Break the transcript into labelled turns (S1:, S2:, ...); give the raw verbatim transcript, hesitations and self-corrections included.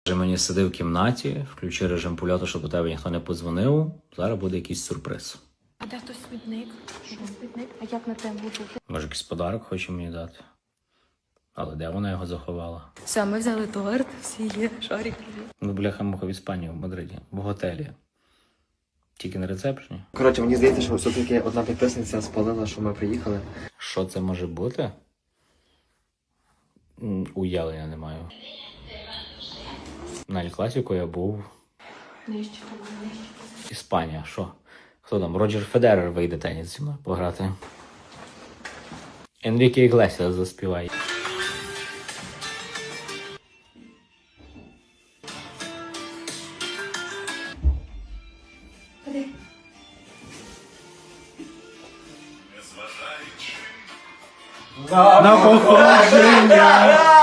S1: Мені сиди в кімнаті, включи режим польоту, щоб у тебе ніхто не подзвонив. Зараз буде якийсь сюрприз.
S2: А де хтось смітник? Що смітник? А як на те буде?
S1: Може, якийсь подарок хоче мені дати. Але де вона його заховала?
S2: Все, ми взяли торт, всі є, шарик.
S1: Ну, бляха-муха в Іспанії, в Мадриді, в готелі. Тільки на рецепшені.
S3: Коротше, мені здається, що все-таки одна підписниця спалила, що ми приїхали.
S1: Що це може бути? М, Уявлення не маю. На Ель-Класіку я був.
S2: Нижче.
S1: Іспанія, що? Хто там? Роджер Федерер вийде теніс зі мною пограти. Енріке Іглесіас заспіває.
S3: На походження!